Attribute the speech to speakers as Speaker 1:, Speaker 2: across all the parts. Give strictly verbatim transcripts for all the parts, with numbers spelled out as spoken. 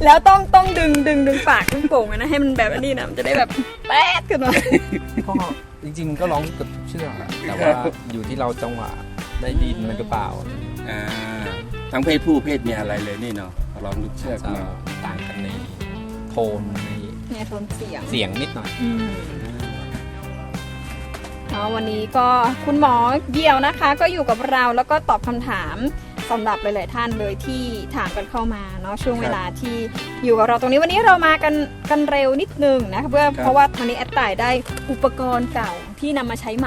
Speaker 1: แล้วต้องต้องดึงดึงดึงปากดึงโป่งนะให้มันแบบนี้นะมันจะได้แบบแป๊ดขึ้นมา
Speaker 2: ก็จริงๆก็ร้องกับเชือกแต่ว่าอยู่ที่เราจังหวะได้ดินมันหรือเปล่า
Speaker 3: อ่าทั้งเพศผู้เพศเมียอะไรเลยนี่เนาะร้องลูกเชือกมา
Speaker 2: ต่างกันในโทนใน
Speaker 1: เนี่ยโทนเสียง
Speaker 2: เสียงนิดหน่อย
Speaker 1: อ๋อวันนี้ก็คุณหมอเดี่ยวนะคะก็อยู่กับเราแล้วก็ตอบคำถามสำหรับหลายๆท่านเลยที่ถามกันเข้ามาเนาะช่วงเวลาที่อยู่กับเราตรงนี้วันนี้เรามากันกันเร็วนิดนึงนะเพื่อเพราะว่าวันนี้แอดต่ายได้อุปกรณ์เก่าที่นำมาใช้ใหม่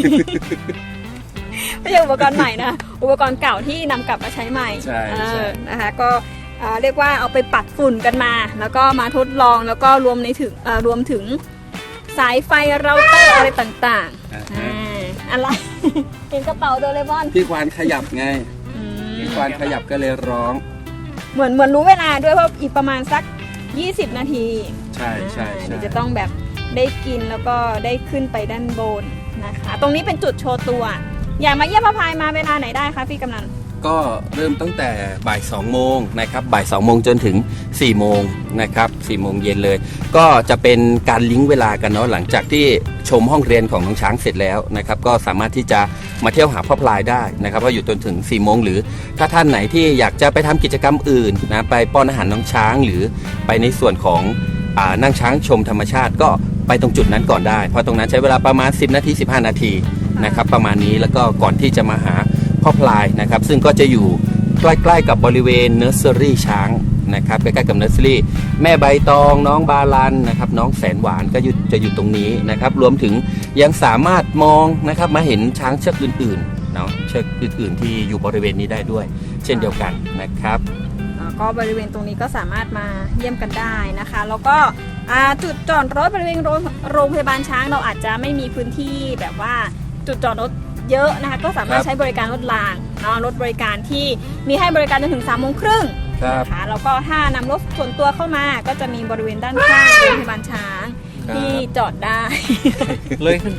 Speaker 1: ไม่ใช่อุปกรณ์ใหม่นะอุปกรณ์เก่าที่นำกลับมาใช้ใหม่
Speaker 3: ใช่
Speaker 1: นะคะก็เรียกว่าเอาไปปัดฝุ่นกันมาแล้วก็มาทดลองแล้วก็รวมในถึงรวมถึงสายไฟเราเตอร์อะไรต่างๆอะไรเห็นกระเป๋าโดเรมอน
Speaker 3: พี่ควานขยับไงพี่ควานขยับก็เลยร้อง
Speaker 1: เหมือนเหมือนรู้เวลาด้วยเพราะอีกประมาณสักยี่สิบนาที
Speaker 3: ใช่ใช่
Speaker 1: เดี๋ยวจะต้องแบบได้กินแล้วก็ได้ขึ้นไปด้านบนนะคะตรงนี้เป็นจุดโชว์ตัวอยากมาเยี่ยมพระพายมาเวลาไหนได้คะพี่กำนัน
Speaker 3: ก็เริ่มตั้งแต่บ่ายสองโมงนะครับบ่ายสองโมงจนถึงสี่โมงนะครับสี่โมงเย็นเลยก็จะเป็นการลิงก์เวลากันเนาะหลังจากที่ชมห้องเรียนของน้องช้างเสร็จแล้วนะครับก็สามารถที่จะมาเที่ยวหาพ่อพลายได้นะครับว่าอยู่จนถึงสี่โมงหรือถ้าท่านไหนที่อยากจะไปทำกิจกรรมอื่นนะไปป้อนอาหารน้องช้างหรือไปในส่วนของอ่านั่งช้างชมธรรมชาติก็ไปตรงจุดนั้นก่อนได้เพราะตรงนั้นใช้เวลาประมาณสิบนาทีสิบห้านาทีนะครับประมาณนี้แล้วก็ก่อนที่จะมาหาพ่อพลายนะครับซึ่งก็จะอยู่ใกล้ๆกับบริเวณเนอร์เซอรี่ช้างนะครับใกล้ๆกับเนอร์เซอรี่แม่ใบตองน้องบาลันนะครับน้องแสนหวานก็จะอยู่ตรงนี้นะครับรวมถึงยังสามารถมองนะครับมาเห็นช้างเชือกอื่นๆเนาะเชือกอื่นๆที่อยู่บริเวณนี้ได้ด้วยเช่นเดียวกันนะครับ
Speaker 1: ก็บริเวณตรงนี้ก็สามารถมาเยี่ยมกันได้นะคะแล้วก็จุดจอดรถบริเวณโรงพยาบาลช้างเราอาจจะไม่มีพื้นที่แบบว่าจุดจอดรถเยอะนะคะก็สามารถใช้บริการรถรางเนาะรถบริการที่มีให้บริการจนถึงสามโมงครึ่งนะคะแล้วก็ถ้านำรถส่วนตัวเข้ามาก็จะมีบริเวณด้านข้างโรงพยาบาลช้างที่จอดได้
Speaker 2: เลยขึ้น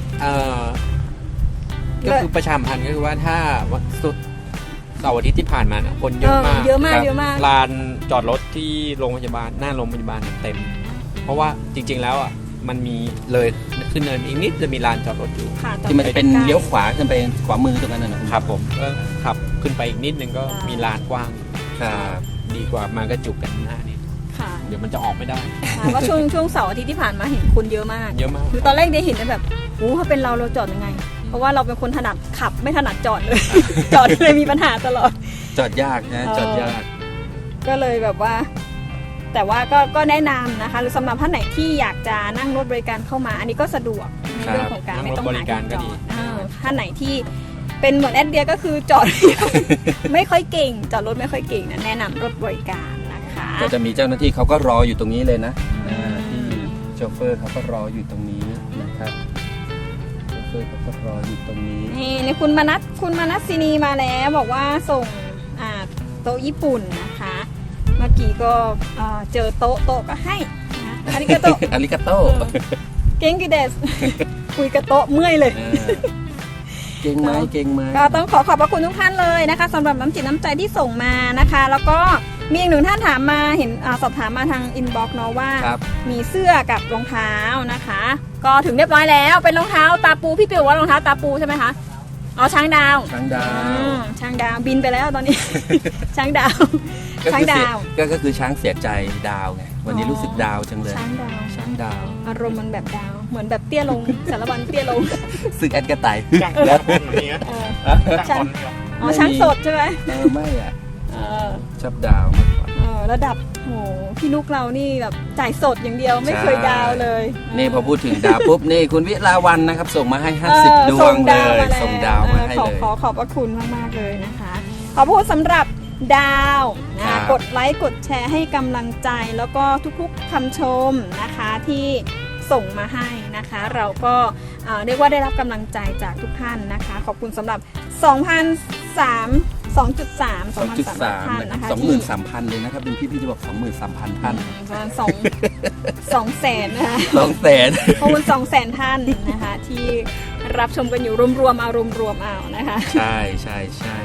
Speaker 2: ก็คือประชาสัมพันธ์ก็คือว่าถ้าสุดเสาร์อาทิตย์ที่ผ่านมาคนเยอะมาก
Speaker 1: เยอะมากเยอะมาก
Speaker 2: ลานจอดรถที่โรงพยาบาลหน้าโรงพยาบาลเต็มเพราะว่าจริงๆแล้วอ่ะมันมีเลยขึ้นเนินอีกนิดจะมีลานจอดรถอยู่
Speaker 3: ที่มันเป็นเลี้ยวขวาขึ้นไปขวามือตรงนั้น
Speaker 2: นะครับผมก็ขับขึ้นไปอีกนิดนึงก็มีลานกว้างดีกว่ามากระจุกกันหน้านี่เดี๋ยวมันจะออกไม่ได้
Speaker 1: ว่าช่วงช่วงเสาร์อาทิตย์ที่ผ่านมาเห็นคนเยอะมาก
Speaker 2: เยอะมาก
Speaker 1: คือตอนแรกได้เห็นแบบโอ้ถ้าเป็นเราเราจอดยังไงเพราะว่าเราเป็นคนถนัดขับไม่ถนัดจอดเลยจอดเลยมีปัญหาตลอด
Speaker 3: จอดยากนะจอดยาก
Speaker 1: ก็เลยแบบว่าแต่ว่าก็ก็แนะนำนะคะหรือสำหรับท่านไหนที่อยากจะนั่งรถบริการเข้ามาอันนี้ก็สะดวกในเรื่องของการไม่ต้องหาที่จอดท่านไหนที่เป็นเหมือนแอดเดียก็คือจอด ไม่ค่อยเก่งจอดรถไม่ค่อยเก่งนะแนะนำรถบริการนะคะ
Speaker 3: ก็จะมีเจ้าหน้าที่เขาก็รออยู่ตรงนี้เลยนะที่โชเฟอร์เขาก็รออยู่ตรงนี้นะครับโชเฟอร์เขาก็รออยู่ตรงนี้
Speaker 1: นี่ในคุณมนัสคุณมนัสซินีมาแล้วบอกว่าส่งโต๊ะญี่ปุ่นนะคะเมื่อกี้ก็เจอโต๊ะโต๊ะก็ให้นะอาริกาโต
Speaker 3: อาริกาโต
Speaker 1: เก่งกิเดสคุยกับโต๊ะเมื่อยเลย
Speaker 3: เก่งไหมเก่งไหม
Speaker 1: ก็ต้องขอขอบพระคุณทุกท่านเลยนะคะสำหรับน้ำจิตน้ำใจที่ส่งมานะคะแล้วก็มีอีกหนึ่งท่านถามมาเห็นสอบถามมาทางอินบ็อกซ์เนาะว่ามีเสื้อกับรองเท้านะคะก็ถึงเรียบร้อยแล้วเป็นรองเท้าตาปูพี่ปิวว่ารองเท้าตาปูใช่ไหมคะอ๋อช้างดาว
Speaker 3: ช้างดาว
Speaker 1: ช้างดาวบินไปแล้วตอนนี้ช้างดาวช้างดาว
Speaker 3: ก็คือช้างเสียใจดาวไงวันนี้รู้สึกดาวจังเลย
Speaker 1: ช้างดาว
Speaker 3: ช้างดาว
Speaker 1: อารมณ์มันแบบดาวเหมือนแบบเตี้ยลงสารบัญเตี้ยลง
Speaker 3: สึกแอดกระต่าย
Speaker 2: แล้วอย่างเงี้ย
Speaker 1: ช้างอ๋อช้างสดใช่ไหม
Speaker 3: เออไม่อ่ะชอบดาวมากกว่า
Speaker 1: ระดับโหพี่นุกเรานี่แบบจ่ายสดอย่างเดียวไม่เคยดาวเลย
Speaker 3: นี่พอพูดถึงดาวปุ๊บนี่คุณวิลาวันนะครับส่งมาให้ห้าสิบดวงเลยส่งดาวมาให้เลย
Speaker 1: ขอขอบพระคุณมากๆเลยนะคะขอพูดสำหรับดาวนะกดไลค์กดแชร์ให้กำลังใจแล้วก็ทุกๆคำชมนะคะที่ส่งมาให้นะคะเราก็เรียกว่าได้รับกำลังใจจากทุกท่านนะคะขอบคุณสำหรับ สองพันสามร้อย สองจุดสาม
Speaker 3: สองจุดสามนะคะ สองหมื่นสามพัน เลยนะครับเป็นพี่พี่จะบอก สองหมื่นสามพัน ท่าน
Speaker 1: ประมาณ2 2แสนนะคะ
Speaker 3: สองแสน
Speaker 1: ขอบคุณสองแสนท่านนะคะที่รับชมกันอยู่รวมๆเอารวมๆเอานะคะ
Speaker 3: ใช่ใช่ใช่
Speaker 1: โ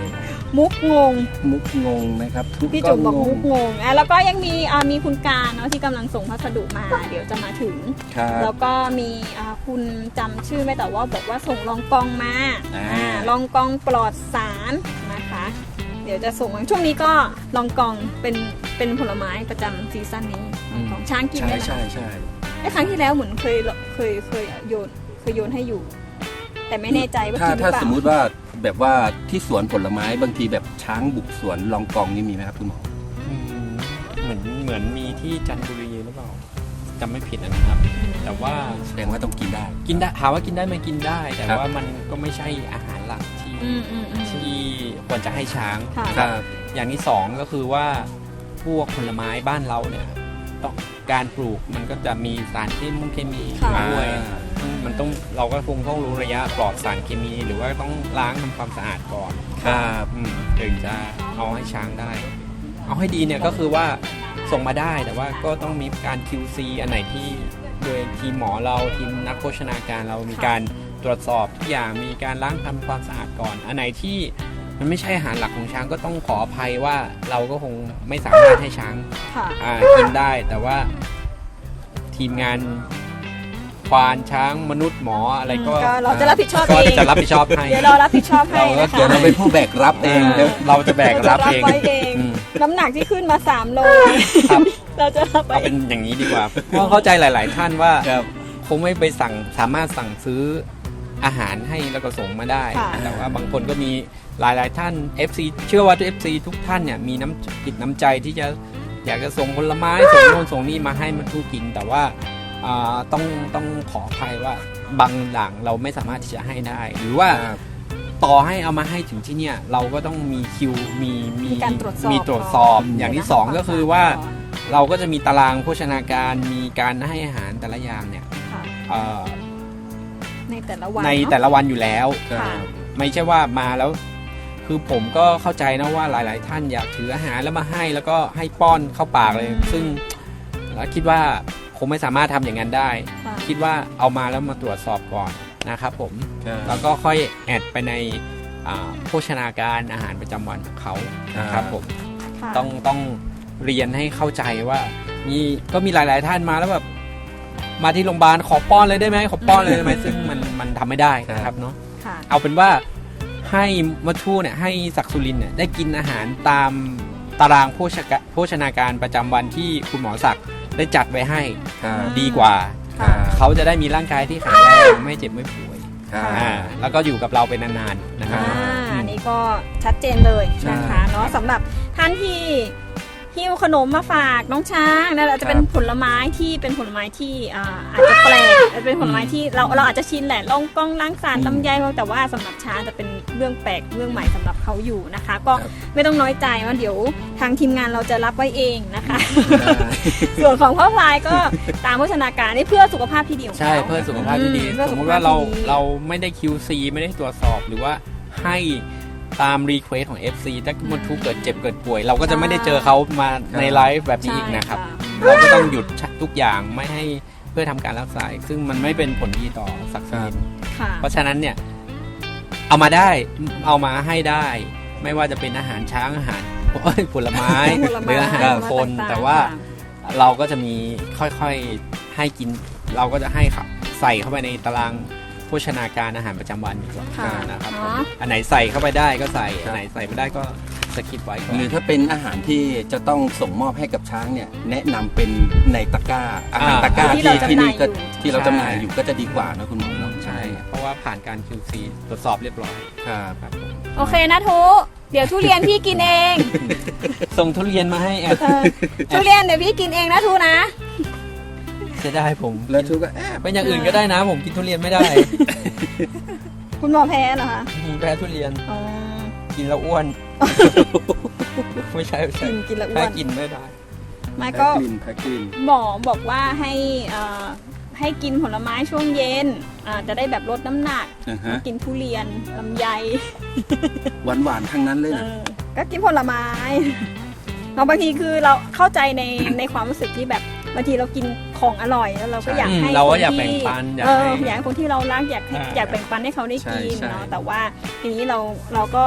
Speaker 1: มุกงง
Speaker 3: มุกงงนะครับทุก
Speaker 1: พี่จุ๋มบอก
Speaker 3: ง
Speaker 1: มุกงงอ่ะแล้วก็ยังมีอ่ามีคุณการเนาะที่กำลังส่งพัสดุมา เดี๋ยวจะมาถึง
Speaker 3: ครับ
Speaker 1: แล้วก็มีอ่าคุณจำชื่อไม่แต่ว่าบอกว่าส่งลองกองมา
Speaker 3: อ่า
Speaker 1: อ่าลองกองปลอดสารนะคะ เดี๋ยวจะส่งมาช่วงนี้ก็ลองกองเป็นเป็นผลไม้ประจำซีซั่นนี้ลองกองช้างกิน
Speaker 3: ใช่
Speaker 1: ได้ไหม
Speaker 3: ใช่ใช่
Speaker 1: ไอ้ครั้งที่แล้วเหมือนเคยเคยเคยโยนเคยโยนให้อยู่ แต่ไม่แน่ใจว่า
Speaker 3: ถ้า
Speaker 1: กินหรือ
Speaker 3: ถ้า
Speaker 1: เปล่า
Speaker 3: สมมุติว่าแบบว่าที่สวนผลไม้บางทีแบบช้างบุกสวนลองกองนี่มีไหมครับคุณหมอ
Speaker 2: อืมเหมือนเหมือนมีที่จันทบุรีหรือเปล่าจำไม่ผิดนะครับ แต่ว่า
Speaker 3: แสดงว่าต้องกินได้
Speaker 2: กินได้ถามว่ากินได้ไหมกินได้ แต่
Speaker 3: ครับ
Speaker 2: ว่ามันก็ไม่ใช่อาหารหลักที่
Speaker 1: อืมอืมอืม
Speaker 2: ที่ควรจะให้ช้าง
Speaker 1: ค่ะ
Speaker 2: นะครับ อย่างที่สองก็คือว่าพวกผลไม้บ้านเราเนี่ยต้องการปลูกมันก็จะมีสารเคมีเคมี
Speaker 1: ค่ะ
Speaker 2: ด้วยซึ่งมันต้องเราก็คงต้องรู้ระยะปลอดสารเคมี หรือว่าต้องล้างทำความสะอาดก่อน
Speaker 3: ครับ
Speaker 2: อืมถึงจะเอาให้ช้างได้ เอาให้ดีเนี่ยก็คือว่าส่งมาได้แต่ว่าก็ต้องมีการ คิว ซี อันไหนที่โดยทีมหมอเราทีมนักโภชนาการเรามีการตรวจสอบทุกอย่างมีการล้างทำความสะอาดก่อน อันไหนที่มันไม่ใช่อาหารหลักของช้างก็ต้องขออภัยว่าเราก็คงไม่สามารถให้ช้าง
Speaker 1: ค่ะ
Speaker 2: อ่ากินได้ แต่ว่าทีมงานควานช้างมนุษย์หมออะไรก็
Speaker 1: ก็เราจะรับผิดชอบ
Speaker 2: ก็
Speaker 1: เอง
Speaker 2: จะรับผิดชอบให้
Speaker 1: เดี๋ยวเรารับผิดชอบให้
Speaker 2: เราก็
Speaker 1: นะ
Speaker 3: เดี๋ยว
Speaker 1: คะ
Speaker 3: เราเป็นผู้แบกรับเอง
Speaker 2: อ่า
Speaker 3: เดี๋ยว
Speaker 2: เราจะแบกรับเอง
Speaker 1: ไว้เอง
Speaker 2: อืม
Speaker 1: น้ำหนักที่ขึ้นมาสามโล
Speaker 2: ครับ
Speaker 1: เราจะรับไป
Speaker 2: เอาเป็นอย่างนี้ดีกว่า เพราะเข้าใจหลาย ๆ ท่านว่า
Speaker 3: ครับ
Speaker 2: คงไม่ไปสั่งสามารถสั่งซื้ออาหารให้แล้วก็ส่งมาได้
Speaker 1: ค่ะ
Speaker 2: แต่ว่าบางคนก็มีหลาย ๆ ท่าน เอฟ ซี เชื่อว่าทุก เอฟ ซี ทุกท่านเนี่ยมีน้ำจิตน้ำใจที่จะอยากจะส่งผลไม้ ส่งโน่นส่งนี่มาให้มันทูกิน แต่ว่าอ่าต้องต้องขออภัยว่าบางอย่างเราไม่สามารถที่จะให้ได้ หรือว่า
Speaker 3: ครับ
Speaker 2: ต่อให้เอามาให้ถึงที่เนี่ยเราก็ต้องมีคิวมี
Speaker 1: มีการตรวจสอบ
Speaker 2: มีตรวจสอบ
Speaker 3: ก่อน
Speaker 2: อย่างที่สองก็คือว่าเราก็จะมีตารางโภชนาการมีการให้อาหารแต่ละอย่างเนี่ย
Speaker 1: ค่ะ
Speaker 2: เอ่อ
Speaker 1: ในแต่ละวัน
Speaker 2: ใน
Speaker 1: เนอะ
Speaker 2: แต่ละวันอยู่แล้ว
Speaker 1: ค่ะ
Speaker 2: ไม่ใช่ว่ามาแล้ว คือผมก็เข้าใจนะว่าหลาย ๆ ท่านอยากถืออาหารแล้วมาให้แล้วก็ให้ป้อนเข้าปากเลย ซึ่งเราคิดว่าคงไม่สามารถทำอย่างนั้นได้
Speaker 1: ค่ะ
Speaker 2: คิดว่าเอามาแล้วมาตรวจสอบก่อนนะครับผม
Speaker 3: ครับ
Speaker 2: แล้วก็ค่อยแอดไปในอ่าโภชนาการอาหารประจำวันของเขานะครับผม
Speaker 1: ค่ะ
Speaker 2: ต้องต้องเรียนให้เข้าใจว่ามีก็มีหลาย ๆ ท่านมาแล้วแบบมาที่โรงพยาบาลขอป้อนเลยได้ไหมขอป้อนเลยได้ไหมซึ่งมันมันทำไม่ได้นะครับเนาะ
Speaker 1: ค่ะ
Speaker 2: เอาเป็นว่าให้มัทูเนี่ยให้ศักดิ์สุรินทร์เนี่ยได้กินอาหารตามตารางโภชกะโภชนาการประจำวันที่คุณหมอศักดิ์ได้จัดไว้ให้
Speaker 3: ครับ
Speaker 2: ดีกว่า
Speaker 1: ค่ะ
Speaker 2: เขาจะได้มีร่างกายที่แข็งแรงไม่เจ็บไม่ป่วย
Speaker 3: ครับ
Speaker 2: อ่าแล้วก็อยู่กับเราเป็นนานๆนะครับ
Speaker 1: อ่าอันนี้ก็ชัดเจนเลยนะคะเนาะสำหรับท่านที่หิ้วขนมมาฝากน้องช้างนะอาจจะเป็นผลไม้ที่เป็นผลไม้ที่อ่าอาจจะแปลกอาจจะเป็นผลไม้ที่เราเราอาจจะชินแหละลองกองล้างสาร
Speaker 3: อืม
Speaker 1: ลำไยแต่ว่าสำหรับช้างจะเป็นเรื่องแปลกเรื่องใหม่สำหรับเขาอยู่นะคะ ก็
Speaker 3: ครับ
Speaker 1: ไม่ต้องน้อยใจว่าเดี๋ยวทางทีมงานเราจะรับไว้เองนะคะ ส่วนของพ่อพลายก็ตามโภชนาการนี่เพื่อสุขภาพที่ดีของเขา
Speaker 2: ใช่เพื่อสุขภาพที่ดี
Speaker 1: อืมเพื่อ
Speaker 2: ส
Speaker 1: สุ
Speaker 2: ม
Speaker 1: ข
Speaker 2: ม
Speaker 1: ภาพ
Speaker 2: ติว่าเรา
Speaker 1: ที่ดี
Speaker 2: เราไม่ได้ คิว ซี ไม่ได้ตรวจสอบหรือว่าให้ตามรีเควสของ เอฟ ซี ถ้ามันทุกเกิดเจ็บเกิดป่วย เราก็จะไม่ได้เจอเขามาในไลฟ์แบบนี้อีกนะครับ
Speaker 1: ใช่
Speaker 2: เราก็ต้องหยุดทุกอย่างไม่ให้เพื่อทำการรักษาซึ่งมันไม่เป็นผลดีต่อศักดิ์ศรี
Speaker 1: ค่ะ
Speaker 2: เพราะฉะนั้นเนี่ยเอามาได้เอามาให้ได้ ไม่ว่าจะเป็นอาหารช้างอาหารผลไม้
Speaker 1: ผลไม้
Speaker 2: หรืออาหารคน
Speaker 1: ต่างๆ
Speaker 2: แต่ว่าเราก็จะมีค่อยๆให้กิน เราก็จะให้ครับใส่เข้าไปในตารางโภชนาการอาหารประจำวันดีกว่า
Speaker 1: ค่ะ
Speaker 2: นะครับ
Speaker 1: เนาะ
Speaker 2: อันไหนใส่เข้าไปได้ก็ใส่อันไหนใส่ไม่ได้ก็สกิปไว้ก่อน
Speaker 3: หรือถ้าเป็นอาหารที่จะต้องส่งมอบให้กับช้างเนี่ยแนะนำเป็นในตะกร้าอาหารตะกร้า
Speaker 1: ที่
Speaker 3: ที่
Speaker 1: เรา
Speaker 3: ที่นี่ก็
Speaker 1: จำหน่ายอยู่
Speaker 3: ที่เราจำหน่ายอยู่ก็จะดีกว่านะคุณหมอเนาะ
Speaker 2: ใช่ เพราะว่าผ่านการ คิว ซี ตรวจสอบเรียบร้อย
Speaker 3: ครับ
Speaker 2: ครับผม
Speaker 1: โอเคนะทุเดี๋ยวทุเรียนพี่กินเอง
Speaker 2: ส่งทุเรียนมาให้แอด
Speaker 1: เออทุเรียนเดี๋ยวพี่กินเองนะทุนะ
Speaker 2: จะได้ผม
Speaker 3: แล้วทุกก็แอบ
Speaker 2: เป็นอย่างอื่นก็ได้นะ ผมกินทุเรียนไม่ได้
Speaker 1: คุณหมอแพ้เหรอคะ
Speaker 2: ผมแพ้ทุเรียน
Speaker 1: อ๋อ
Speaker 2: กินแล้วอ้วน ไม่ใช่ไม่ใช่
Speaker 1: กินกินแล้วอ้
Speaker 2: แพ้
Speaker 1: วน
Speaker 2: กินไม่ได้
Speaker 1: ไม่
Speaker 3: แพ็
Speaker 1: ก็
Speaker 3: กกลิ่นแพ็กกลิ่น
Speaker 1: หมอบอกว่าให้เอ่อให้กินผลไม้ช่วงเย็นอ่าจะได้แบบลดน้ำหนัก
Speaker 3: อ่าฮะ
Speaker 1: กินทุเรียนลำไย
Speaker 3: หวานหวานๆทั้งนั้นเลย
Speaker 1: เอ
Speaker 3: นะ
Speaker 1: อก็กินผลไม้ เราบางทีคือเราเข้าใจในในความรู้สึกที่แบบบางทีเรากินของอร่อยแล้วเราก็อยาก
Speaker 2: อืม
Speaker 1: ให้
Speaker 2: เราก็
Speaker 1: คน
Speaker 2: อยาก
Speaker 1: ที่
Speaker 2: แบ่งปันอยาก
Speaker 1: เออ
Speaker 2: ให้
Speaker 1: อยากให้คนที่เรารักอยากให้
Speaker 2: อ่า
Speaker 1: อยากแบ่งปันให้เขาได้กิน
Speaker 3: ใช่ใช่
Speaker 1: เนาะแต่ว่าทีนี้เราเราก็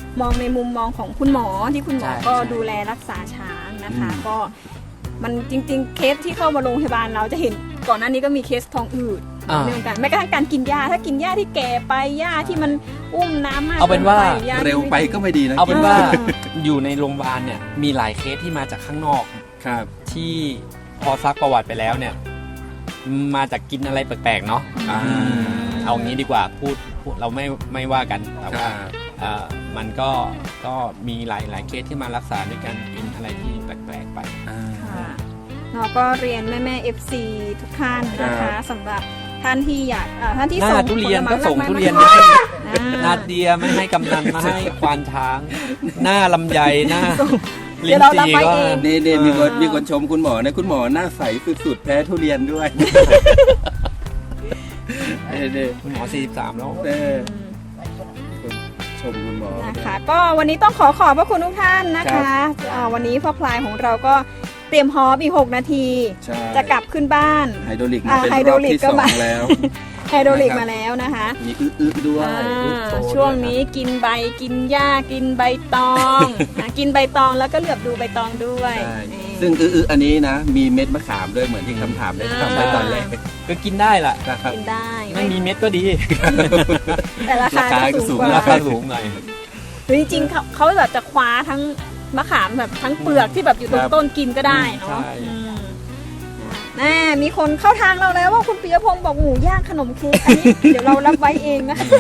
Speaker 1: มองในมุมมองของคุณหมอที่คุณหมอ
Speaker 2: ใช่
Speaker 1: ก็
Speaker 2: ใช่
Speaker 1: ดูแลรักษาช้างนะคะ
Speaker 3: อืม
Speaker 1: ก็มันจริงๆเคสที่เข้ามาโรงพยาบาลเราจะเห็นก่อนหน้านี้ก็มีเคสท้องอืด
Speaker 2: อ่า
Speaker 1: เรื่องการแม้กระทั่งการกินหญ้าถ้ากินหญ้าที่แก่ไปหญ้าที่มันอุ้มน้ำมาก
Speaker 2: เอาเป็นว่า
Speaker 1: กิไปหญ้าที่
Speaker 3: เร็วไปก็ไม่ดีนะ
Speaker 2: เอาเป็นว่า
Speaker 1: อ่า
Speaker 2: อยู่ในโรงพยาบาลเนี่ยมีหลายเคสที่มาจากข้างนอก
Speaker 3: ครับ
Speaker 2: ที่พอซักประวัติไปแล้วเนี่ยมาจากกินอะไรแปลกๆเนาะ
Speaker 3: อ่า
Speaker 2: อืมเอางี้ดีกว่าพูดพูดเราไม่ไม่ว่ากันแต่
Speaker 3: ค
Speaker 2: ว่า
Speaker 3: รับ
Speaker 2: เอ่อมันก็ก็มีหลายหลายเคสที่มารักษาด้วยการกินอะไรที่แปลกๆไป
Speaker 3: อ่า
Speaker 1: ค่ะเราก็เรียนแม่แม่เอฟซีทุกท่านนะ
Speaker 3: ครั
Speaker 1: คะ
Speaker 3: บ
Speaker 1: สำหรับท่านที่อยากอ่าท่านที่
Speaker 2: หน้า
Speaker 1: ส่ง
Speaker 2: ทุเรียน
Speaker 1: ผลไม้
Speaker 2: ก็ส่ง
Speaker 1: มาก
Speaker 2: ทุเรียน
Speaker 1: มา
Speaker 2: มาให้
Speaker 1: อ่า
Speaker 2: นาเดียไม่ให้กำนันมาให้ควานช้าง หน้าลำไยหน้า
Speaker 1: เดี๋ยวเรารับไว้เอง
Speaker 3: นี่นี่มีคน
Speaker 1: อ่ามี
Speaker 3: มีคนชมคุณหมอนะคุณหมอหน้าใสสุดๆแพ้ทุเรียนด้วยเด้เด้
Speaker 2: คุณหมอสี่สิบสามแล้ว
Speaker 3: เด้ชมคุณหมอ
Speaker 1: นะคะก็วันนี้ต้องขอขอบพระคุณทุกท่านนะคะอ่าวันนี้พ่อพลายของเราก็เตรียมฮอปอีกหกนาที
Speaker 3: ใช่
Speaker 1: จะกลับขึ้นบ้าน
Speaker 3: ไฮโดรลิกมา
Speaker 1: อ่า
Speaker 3: เป็น
Speaker 1: ไฮ
Speaker 3: ร
Speaker 1: โดร
Speaker 3: อบ
Speaker 1: ลิก
Speaker 3: ที่
Speaker 1: ก็
Speaker 3: สอ
Speaker 1: มา
Speaker 3: งแล้ว
Speaker 1: ไฮโดรลิก
Speaker 3: นะครับ
Speaker 1: มาแล้วนะคะ
Speaker 3: มีอึๆด้วย
Speaker 1: อ่า
Speaker 2: โชว์
Speaker 1: ช่วงนี้กินใบกินหญ้ากินใบตองอ่ะกินใบตองแล้วก็เหลือบดูใบตองด้วย
Speaker 3: ใช่
Speaker 1: นี่
Speaker 3: ซึ่งอึๆอันนี้นะ มีเม็ดมะขามด้วยเหมือนที่คำถามได้ทำไปตอนแรก
Speaker 2: ก็กินได้ล่ะ
Speaker 3: นะครับ
Speaker 1: กินได้
Speaker 2: ไม่มีเม็ดก็ดี
Speaker 1: แต่ราคา
Speaker 3: ราคาก็
Speaker 1: ก็
Speaker 3: สู
Speaker 1: สู
Speaker 3: ง
Speaker 1: งกว่า
Speaker 2: ราคาสูงหน่อย
Speaker 1: หรือจริงๆเขาเขาแบบจะคว้าทั้งมะขามแบบทั้งเปลือกที่แบบอยู่ตรงต้นกินก็ได้เนาะ
Speaker 2: ใช่
Speaker 1: อืมแน่มีคนเข้าทางเราแล้วว่าคุณปิยพงศ์บอกหมูย่างขนมเค้กอันนี้ เดี๋ยวเรารับไว้เองนะคะ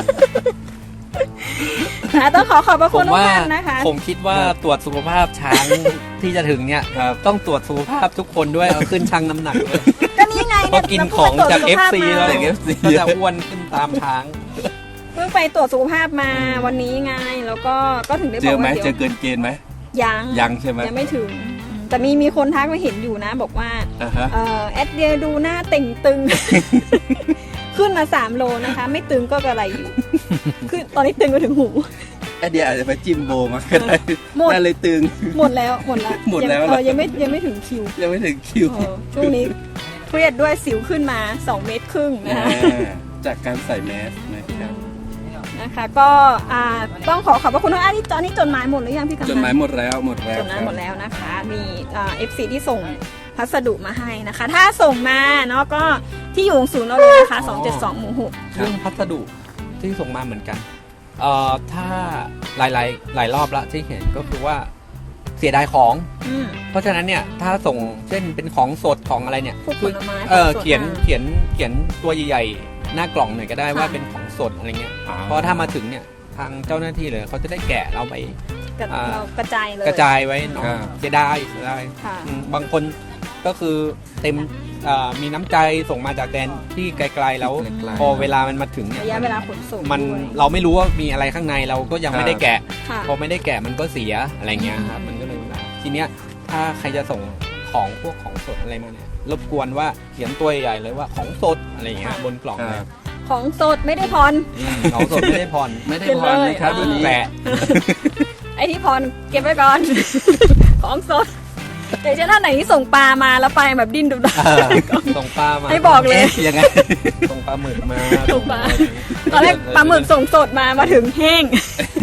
Speaker 1: นะต้องขอขอบพระ
Speaker 2: ผ
Speaker 1: คุณ
Speaker 2: ม
Speaker 1: ทุก
Speaker 2: ว่า
Speaker 1: ท่านนะคะ
Speaker 2: ผมคิดว่าตรวจสุขภาพช้างที่จะถึงเนี่ย
Speaker 3: ครับ
Speaker 2: ต้องตรวจสุขภาพทุกคนด้วยเอาขึ้นชั่งน้ำหนักด้วย
Speaker 1: ก็นี่ไง
Speaker 2: เพราะกินของจาก เอฟ ซี แล้ว
Speaker 3: จาก เอฟซี
Speaker 2: ก็จะอ้วนขึ้นตามช้าง
Speaker 1: เพิ่งไปตรวจสุขภาพมาวันนี้ไงแล้วก็ก็ถึงได้บ
Speaker 3: เจ
Speaker 1: อก
Speaker 3: อไหม
Speaker 1: ว่า
Speaker 3: เจ
Speaker 1: เดี๋
Speaker 3: อเกินเกณฑ์ไหม
Speaker 1: ยัง
Speaker 3: ยังใช่ไหม
Speaker 1: ยังไม่ถึง แต่มีมีคนทักมาเห็นอยู่นะ บอกว่า
Speaker 3: อ่าฮะ
Speaker 1: เอ่อแอดเดียดูหน้าเต่งตึง ขึ้นมาสามโลนะคะ ไม่ตึงก็กระไรอยู่ คือตอนนี้ตึงมาถึงหู
Speaker 3: ไอเดียอาจจะไปจิ้มโบมาก็ได้
Speaker 1: หมด
Speaker 3: น่าเลยตึง
Speaker 1: หมดแล้วหมดแล้ว
Speaker 3: หมดแล้ว
Speaker 1: ยัง
Speaker 3: เหรอ
Speaker 1: เออยังไม่ยังไม่ถึงคิว
Speaker 3: ยังไม่ถึงคิว
Speaker 1: เออช่วงนี้เครียดด้วยสิวขึ้นมาสองเมตรครึ่งนะคะ
Speaker 3: อ่าจากการใส่แมสนะครับ
Speaker 1: นะคะก็อ่าต้องขอขอบพระคุณทุกท่านที่ตอนนี้จดหมายหมดหรือยังพี่กำนัน
Speaker 3: จดหมายหมดแล้วหมดแล้ว
Speaker 1: จดหมาย
Speaker 3: ครับ
Speaker 1: หมดแล้วนะคะ มีเอฟซีที่ส่งพัสดุมาให้นะคะ ถ้าส่งมาเนาะก็ที่อยู่ของศูนย์เราเลยนะคะสองเจ็ดสองหมู่หก
Speaker 2: เรื่องพัสดุที่ส่งมาเหมือนกันเอ่อถ้าหลายหลายหลายรอบละที่เห็นก็คือว่าเสียดายของ
Speaker 1: อืม
Speaker 2: เพราะฉะนั้นเนี่ยถ้าส่งเช่นเป็นของสดของอะไรเนี่ย
Speaker 1: พวกผลไม้
Speaker 2: เออ
Speaker 1: ของสด
Speaker 2: เขียน
Speaker 1: อ่ะ
Speaker 2: เขียนเขียนตัวใหญ่ๆหน้ากล่องหน่อยก็ได้
Speaker 1: ค่ะ
Speaker 2: ว่าเป็นของสดอะไรเงี้ย
Speaker 3: อ๋อ
Speaker 2: เพราะถ้ามาถึงเนี่ยทางเจ้าหน้าที่เลยเขาจะได้แกะเราไป
Speaker 1: กระ
Speaker 2: อ่า
Speaker 1: เรากระจายเลย
Speaker 2: กระจายไว้เนาะ
Speaker 3: ครับ
Speaker 2: เสียดายเสียดาย
Speaker 1: ค่ะ
Speaker 2: อืมบางคนก็คือเต็มเอ่อมีน้ำใจส่งมาจากแดนที่ไกลๆแล้ว
Speaker 3: ไกลๆ
Speaker 2: พอเวลามันมาถึงเนี่ย
Speaker 1: ระยะเวลาขนส่ง
Speaker 2: มัน
Speaker 1: ด้วย
Speaker 2: เราไม่รู้ว่ามีอะไรข้างในเราก็ยังไม่ได้แกะ
Speaker 1: ค่ะ
Speaker 2: พอไม่ได้แกะมันก็เสียอะไรเงี้ยครับมันก็เลยเวลาทีเนี้ยถ้าใครจะส่งของพวกของสดอะไรมาเนี่ยรบกวนว่าเขียนตัวใหญ่ๆเลยว่าของสดอะไรเงี้ยบนกล่อง
Speaker 3: ค
Speaker 2: เล
Speaker 3: รั
Speaker 2: ย
Speaker 3: บ
Speaker 1: ของสดไม่ได้พร
Speaker 2: อืมของสดไม่ได้ผ่อน
Speaker 3: ไม่ได้
Speaker 1: เป็น
Speaker 3: พ
Speaker 1: เล
Speaker 3: ร
Speaker 1: ย
Speaker 3: นะครับ
Speaker 1: อ่า
Speaker 3: วันนี้
Speaker 2: แปะ
Speaker 1: ไอ้ที่พรเก็บไว้ก่อน ของสดแต่เช่นท่านไหนที่ส่งปลามาแล้วไปแบบดิ้นดุด
Speaker 2: เออส่งปลามา
Speaker 1: ให้บอกเลย
Speaker 3: เอ๊ะยังไง
Speaker 2: ส่งปลาหมึกมา
Speaker 1: ส่งปลา ตอนแรกปลาหมึกส่งสดมามาถึงแห้ง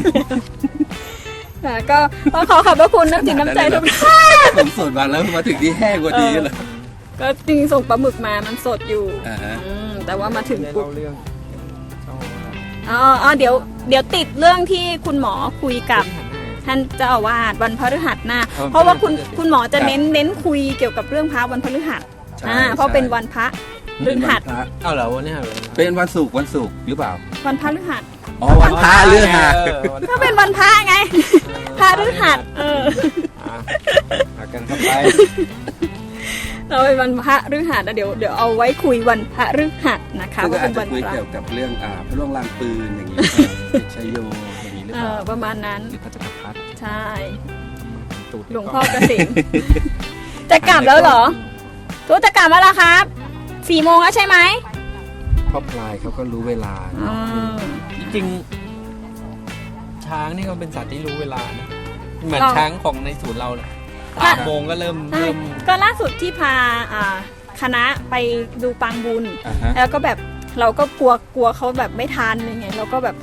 Speaker 1: ค่ะก็ต้องขอขอบพระคุณน้ำจิตน้ำใจทุกท่าน
Speaker 3: ผมสดมาแล้วมาถึงที่แห้งกว่านี้เหรอ
Speaker 1: ก็จริงๆส่งปลาหมึกมามันสดอยู่
Speaker 3: อ่าฮะ
Speaker 1: อืมแต่ว่ามาถึง
Speaker 2: ได้
Speaker 1: ปุ๊บ
Speaker 2: เล่าเรื่องชอบ
Speaker 1: อ๋ออ๋อเดี๋ยวเดี๋ยวติดเรื่องที่คุณหมอคุยกับท่านเจ้าอาวาสวันพฤหัสหน้า
Speaker 3: อ๋อ
Speaker 1: เพราะว่าคุณ
Speaker 2: ครับ
Speaker 1: คุณหมอจะเน้นเน้นคุยเกี่ยวกับเรื่องพระวันพฤหัส
Speaker 3: ใช่
Speaker 1: อ่าเพราะเป็นวันพระพฤหัส
Speaker 3: เป็นวันพระ
Speaker 2: เอาเหรอวันนี้เหรอ
Speaker 3: เป็นวันศุกร์วันศุกร์หรือเปล่า
Speaker 1: วันพฤหัส
Speaker 3: อ๋อวันพระเรื่องหา
Speaker 1: ก็เป็นวันพระไง พระฤหัสเออ
Speaker 2: อ่ะหากันเข้าไป
Speaker 1: เราเป็นวันพระฤหัสแล้วเดี๋ยวเดี๋ยวเอาไว้คุยวันพระฤหัสนะคะ
Speaker 3: ซึ่งก็
Speaker 1: ว่า
Speaker 3: อา
Speaker 1: เป็
Speaker 3: จ
Speaker 1: น
Speaker 3: จะ
Speaker 1: วัน
Speaker 3: คุย
Speaker 1: พระ
Speaker 3: เกี่ยวกับเรื่องอ่าพระล่วงลางปืนอย่างนี้ชัยโยอย่างนี้หรือ
Speaker 1: เอ
Speaker 3: เปล่า
Speaker 1: อประมาณนั้น
Speaker 2: หรือพระจักรพรรดิ
Speaker 1: ใช่
Speaker 2: ตูด
Speaker 1: หลวงพ่อเกษมจะกลับแล้วเหรอทุกจะกลับแล้วเหรอครับสี่โมงแล้วใช่ไหม
Speaker 3: พ่อพลายเขาก็รู้เวลา
Speaker 1: อืม
Speaker 2: จริงๆช้างนี่ก็เป็นสัตว์ที่รู้เวลานะเหมือน
Speaker 1: เรา
Speaker 2: ช้างของในศูนย์เราเลย
Speaker 1: ค่ะ
Speaker 2: สามโมงก็เริ่ม
Speaker 1: ใช่
Speaker 2: เริ่ม
Speaker 1: ก็ล่าสุดที่พาอ่าคณะไปดูปางบุญ
Speaker 3: อ่าฮะ
Speaker 1: แล้วก็แบบเราก็กลัวกลัวเขาแบบไม่ทันอะไรเงี้ยเราก็แบบ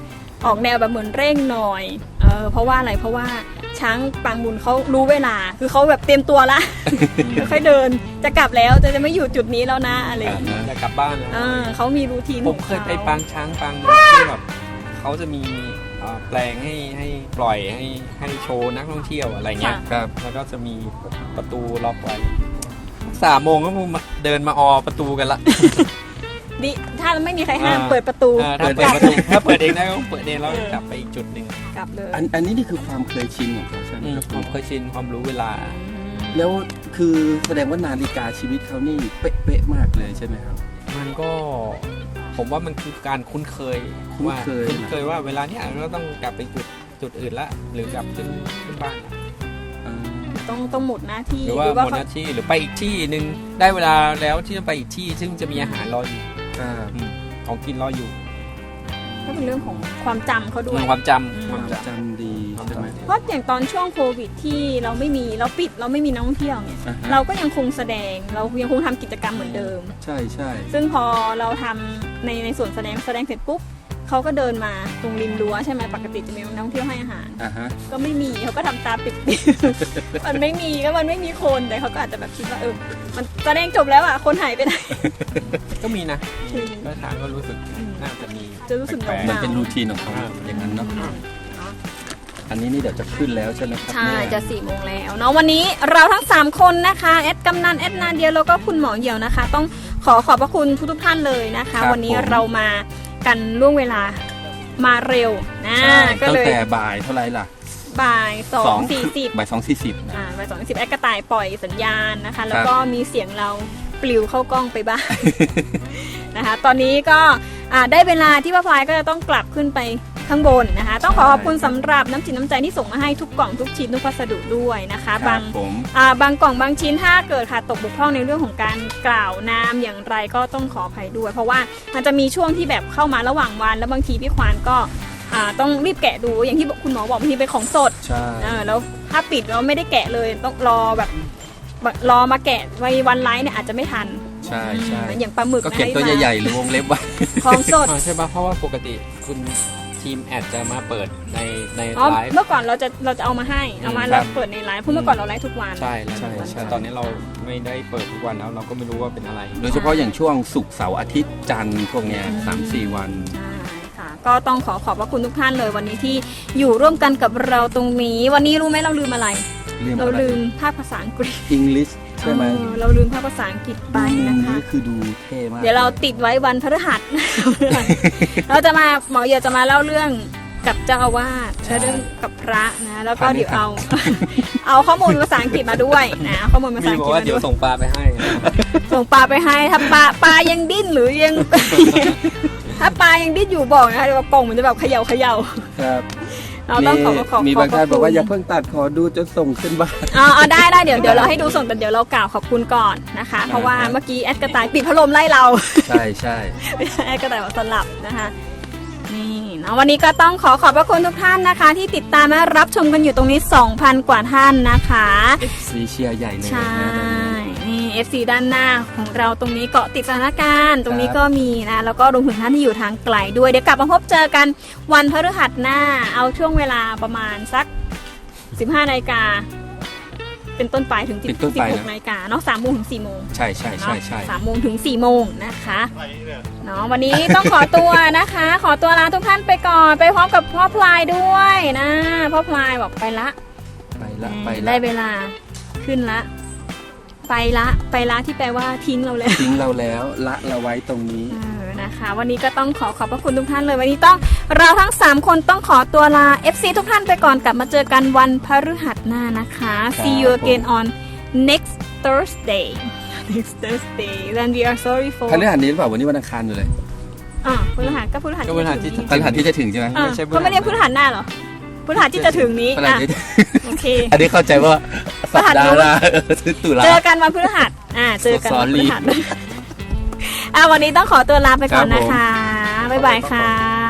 Speaker 1: ออกแนวแบบเหมือนเร่งหน่อยเออเพราะว่าอะไรเพราะว่าช้างปางบุญเขารู้เวลาคือเขาแบบเตรียมตัวละ ค่อยๆเดินจะกลับแล้วจะจะไม่อยู่จุดนี้แล้วนะอะไรอย่างเงี้ย
Speaker 2: จะกลับบ้านแล้ว
Speaker 1: เออเขามีรูทีน
Speaker 2: ผ
Speaker 1: ข
Speaker 2: ม
Speaker 1: อง
Speaker 2: เค
Speaker 1: เขา
Speaker 2: ยไปปางช้างปางนึงที่แบบเขาจะมีเอ่อแปลงให้ให้ปล่อยให้ให้โชว์นักท่องเที่ยวอะไรเงี้ย
Speaker 3: ครับ
Speaker 2: แล้วก็จะมีประตูล็อกไว้สามโมงก็มาเดินมาออประตูกันละ
Speaker 1: ดิถ้าไม่มีใครห้าม
Speaker 2: อ่า
Speaker 1: เปิดประตู
Speaker 2: อ่าถ้าเปิดประตูถ้าเปิดเองได้ก็เปิดเองแล้วกลับไปอีกจุดหนึ่ง
Speaker 1: กลับเลย
Speaker 3: อันอันนี้นี่คือความเคยชินของเขาใช่ไหม
Speaker 2: อืม
Speaker 3: ครับ
Speaker 2: ความเคยชินความรู้เวลา
Speaker 3: แล้วคือแสดงว่านาฬิกาชีวิตเขานี่เป๊ะๆมากเลยใช่ไหมครับ
Speaker 2: มันก็ผมว่ามันคือการคุ้นเคย
Speaker 3: คุ้น
Speaker 2: ว่า
Speaker 3: เคย
Speaker 2: คุ้นเคยว่าเวลาเนี้ยเราต้องกลับไปจุดจุดอื่นละหรือกลับขึ้นขึ้นบ้านละ
Speaker 3: อ่า
Speaker 1: ต้องต้องหมดหน้าที่
Speaker 2: หรือว่าหมดห
Speaker 1: เขา
Speaker 2: น้าที่หรือไปอีกที่หนึ่งได้เวลาแล้วที่จะไปอีกที่ซึ่งจะมีอาหารรออยู่
Speaker 3: ครับ
Speaker 2: อืมของกินรออยู่
Speaker 1: ก็เป็นเรื่องของความจำเขาด้วย
Speaker 2: ความจ
Speaker 1: อืม
Speaker 2: ำความจ
Speaker 3: จำดีใช่ไหม
Speaker 1: เพราะอย่างตอนช่วงโควิดที่เราไม่มีเราปิดเราไม่มีนักท่องเที่ยวเนี่ย
Speaker 3: อ่าฮะ
Speaker 1: เราก็ยังคงแสดงเรายังคงทำกิจกรรมเหมือนเดิม
Speaker 3: ใช่ใช่
Speaker 1: ซึ่งพอเราทำในในส่วนแสดงแสดงเสร็จปุ๊บเขาก็เดินมาตรงริมรั้วใช่ไหมปกติจะมีนักท่องเที่ยวให้อาหาร
Speaker 3: อ่าฮะ
Speaker 1: ก็ไม่มีเขาก็ทำตาปิดๆ มันไม่มีก็มันไม่มีคนแต่เขาก็อาจจะแบบคิดว่าเออมันแสดงจบแล้วอ่ะคนหายไปไหน
Speaker 2: ำก็มีนะมีก็ทางก็รู้สึกน่าจะมี
Speaker 1: จะรู้สึก
Speaker 2: แปลก
Speaker 1: เห
Speaker 3: มัน
Speaker 1: งา
Speaker 3: เป็นรูทีนของเขาอย่างนั้นเนาะอันนี้นี่เดี๋ยวจะขึ้นแล้วใช่ไหมครับ
Speaker 1: ใช่
Speaker 3: เนี่ย
Speaker 1: จะสี่โมงแล้วเนาะวันนี้เราทั้งสามคนนะคะแอดกำนันแอดนาเดียแล้วก็คุณหมอเหี่ยวนะคะ ต้องขอขอบพระคุณทุกๆท่านเลยนะคะ วันนี้เรามากันล่วงเวลามาเร็วนะ
Speaker 3: ใช่
Speaker 1: ก็
Speaker 3: ตั้ง
Speaker 1: เลย
Speaker 3: แต่บ่ายเท่าไหร่ล่ะ
Speaker 1: บ่ายสองสี่สิบ
Speaker 3: บ่ายสองสี่สิบ
Speaker 1: อ่าบ่ายสองสิบแอดกระต่ายปล่อยสัญญาณนะคะ แล้วก็มีเสียงเราปลิวเข้ากล้องไปบ้าง นะคะ ตอนนี้ก็อ่าได้เวลาที่ป้าพลายก็จะต้องกลับขึ้นไปข้างบนนะคะ ต้องขอขอบคุณสำหรับน้ำจิตน้ำใจที่ส่งมาให้ทุกกล่องทุกชิ้นทุกพัสดุด้วยนะคะ
Speaker 3: ครับ
Speaker 1: บาง
Speaker 3: ผม
Speaker 1: อ่าบางกล่องบางชิ้นถ้าเกิดค่ะตกบกพร่องในเรื่องของการกล่าวนามอย่างไรก็ต้องขออภัยด้วย เพราะว่ามันจะมีช่วงที่แบบเข้ามาระหว่างวันแล้วบางทีพี่ควานก็อ่าต้องรีบแกะดูอย่างที่คุณหมอบอกบางทีเป็นของสด
Speaker 3: ใช่
Speaker 1: เออแล้วถ้าปิดแล้วไม่ได้แกะเลยต้องรอแบบรอมาแกะไว้วันไลฟ์เนี่ยอาจจะไม่ทัน
Speaker 3: ใช่ใช่
Speaker 1: อย่างปลาหมึก
Speaker 3: ก็เขียนตัวใหญ่ๆหรือวงเล็บไว้
Speaker 1: ๆของสด
Speaker 2: อ๋อใช่ปะเพราะว่าปกติคุณทีมแอดจะมาเปิดในใน
Speaker 1: อ๋อ
Speaker 2: ไลฟ์
Speaker 1: เมื่อก่อนเราจะเราจะเอามาให้เอามา
Speaker 3: ครั
Speaker 1: เรา
Speaker 3: บ
Speaker 1: เปิดในไลฟ์เพราะเมื่อก่อนเราไลฟ์ทุกวัน
Speaker 2: ใช่แล้ว
Speaker 3: ใช่ใช่
Speaker 2: แต่ตอนนี้เราไม่ได้เปิดทุกวันแล้วเราก็ไม่รู้ว่าเป็นอะไร
Speaker 3: โดยเฉพาะอย่างช่วงศุกร์เสาร์อาทิตย์จันทร์พวกเนี้ยสามสี่วัน
Speaker 1: ใช่ค่ะก็ต้องขอขอบพระคุณทุกท่านเลยวันนี้ที่อยู่ร่วมกันกับเราตรงนี้ วันนี้รู้ไหมเราลืมอะไร เราลืมภาคภาษาอังกฤษ
Speaker 3: อังกฤษใช่ไหม
Speaker 1: เออเราลืมภาคภาษาอังกฤษไป
Speaker 3: มุม
Speaker 1: นะคะ
Speaker 3: นี้คือดูเท่มาก
Speaker 1: เดี๋ยวเราติดไว้วันพฤหัส เราจะมาหมอเหี่ยวจะมาเล่าเรื่องกับเจ้าอาวาสและเรื่องกับพระนะแล้วก็เดี๋ยวเอา เอาข้อมูลภาษาอังกฤษมาด้วยนะข้อมูลภาษา
Speaker 2: มี
Speaker 1: อัง
Speaker 2: บอก
Speaker 1: กฤษ
Speaker 2: ว่า
Speaker 1: มา
Speaker 2: เดี๋
Speaker 1: ด้
Speaker 2: ยว
Speaker 1: วย
Speaker 2: ส่งปลาไปให้
Speaker 1: ส่งปลาไปให้ถ้าปลาปลายังดิ้นหรือยัง ถ้าปลายังดิ้นอยู่บอกนะคะเดี๋ยวกล่องมันจะแบบเขย่าเขย่า
Speaker 3: ครับ
Speaker 1: เราต้องขอขอบ
Speaker 3: มี
Speaker 1: ข
Speaker 3: บางท่านบอกว่าอย่า
Speaker 1: เพิ่ง
Speaker 3: เพิ่งตัดขอดูจนส่งขึ้นบ้าน
Speaker 1: อ๋อเอาได้ได้เดี๋ยวเดี๋ยวเราให้ดูส่งแต่เดี๋ยวเรากล่าวขอบคุณก่อนนะคะ เพราะว่าเมื่อกี้แอดกระต่ายปิดพัดลมไล่เรา
Speaker 3: ใช่ใช่
Speaker 1: ไม่ใช่แอดกระต่ายบอกสลับนะคะนี่นะวันนี้ก็ต้องขอขอบพระคุณทุกท่านนะคะ ที่ติดตามและรับชมกันอยู่ตรงนี้ สองพัน กว่าท่านนะคะ
Speaker 3: เอฟซีเชียร์ใหญ่เลย
Speaker 1: ใช่
Speaker 3: นะตอนนี้
Speaker 1: นี่ เอฟ ซี ด้านหน้าของเราตรงนี้เกาะติดสถานการณ์ตรงนี้ก็มีนะแล้วก็รวมถึงท่านที่อยู่ทางไกลด้วยเดี๋ยวกลับมาพบเจอกันวันพฤหัสหน้าเอาช่วงเวลาประมาณสักสิบห้านาฬิกาเป็นต้นไปถึงสิบ
Speaker 3: เป็นต้นไป
Speaker 1: ห
Speaker 3: นะ
Speaker 1: กนาฬิกาเนาะสามโมงถึงสี่โมง
Speaker 3: ใช่ใช่ใช่ใช่
Speaker 1: สามโมงถึงสี่โมงนะคะเนาะวันนี้ต้องขอตัวนะคะ ขอตัวลาทุกท่านไปก่อนไปพร้อมกับพ่อพลายด้วยนะพ่อพลายบอกไปละ
Speaker 3: ไปละไปละ
Speaker 1: ได้เวลาขึ้นละ ไปละไปละที่แปลว่าทิ้งเราแล้ว
Speaker 3: ทิ้งเราแล้วละเราไว้ตรงนี้
Speaker 1: เออนะคะ วันนี้ก็ต้องขอขอบพระคุณทุกท่านเลยวันนี้ต้องเราทั้งสามคนต้องขอตัวลา เอฟ ซี ทุกท่านไปก่อนกลับมาเจอกันวันพฤหัสหน้านะคะ See you again on next Thursday next Thursday then we are sorry for
Speaker 3: พฤหัสนี้หรือเปล่าวันนี้วันอังคารอยู่เลย
Speaker 1: อ่ะพฤหัสก็พฤหัส
Speaker 2: ก็พฤหัสที่
Speaker 1: จะถึง
Speaker 3: พฤหัสที่จะถึงใช่ไหม
Speaker 1: อ่ะ
Speaker 2: ไม่ใช่พฤหัส
Speaker 1: ก็ไม่เรียกพฤหัสหน้าเหรอพฤหัสที่จะถึงนี้
Speaker 3: พฤหัส
Speaker 1: อ่ะ
Speaker 3: ที่
Speaker 1: โอเค
Speaker 3: อันนี้เข้าใจว่าสัปดาห์หน้าเออถึงตุลา
Speaker 1: เจอกันวันพฤหัสอ่าเจอกันวันพฤหัส
Speaker 3: Sorry
Speaker 1: อ่ะวันนี้ต้องขอตัวลาไปก่อน
Speaker 3: ครับผม
Speaker 1: นะคะบ๊ายบายค่ะ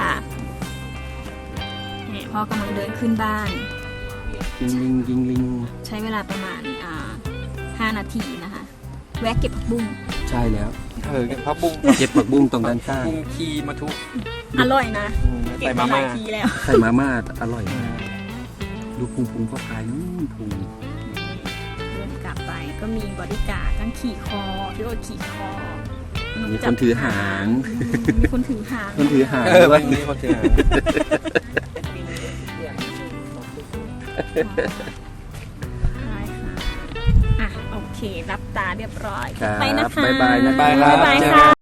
Speaker 1: เนี่ยพ่อกำลังเดินขึ้นบ้าน
Speaker 3: ยิงลิงยิงลิง
Speaker 1: ใช้เวลาประมาณอ่าห้านาทีนะคะ แวะเก็บผักบุ้ง
Speaker 3: ใช่แล้ว
Speaker 2: เออพับบุ้ง
Speaker 3: เก็บผักบุ้งตรงด้านข้าง
Speaker 2: บุ้งขี้มาทุก
Speaker 1: อร่อยนะ
Speaker 2: อืม
Speaker 1: แกเห็นมาหลายทีแล้ว
Speaker 3: ใส่มาม่าอร่อยมากดูพุงพุงพ่อพายนู้นพุง
Speaker 1: เดินกลับไปก็มีบริการดทั้งขี่คอพี่โอ๊ตขี่คอ
Speaker 3: มีคนถือหาง
Speaker 1: มีคนถือหาง
Speaker 3: คนถือหาง
Speaker 2: เออ
Speaker 3: ด้ว
Speaker 2: วั
Speaker 3: ย
Speaker 2: นนี้เขาเจอ
Speaker 1: ใช่ค่ะอ่ะโอเค รับตาเรียบร้อย
Speaker 3: ครับ
Speaker 1: ไปนะคะ
Speaker 3: บ๊ายบายนะ
Speaker 2: บ๊ายบายครับ
Speaker 1: บ๊ายบาย
Speaker 2: เจอ
Speaker 1: ค่ะ
Speaker 2: กัน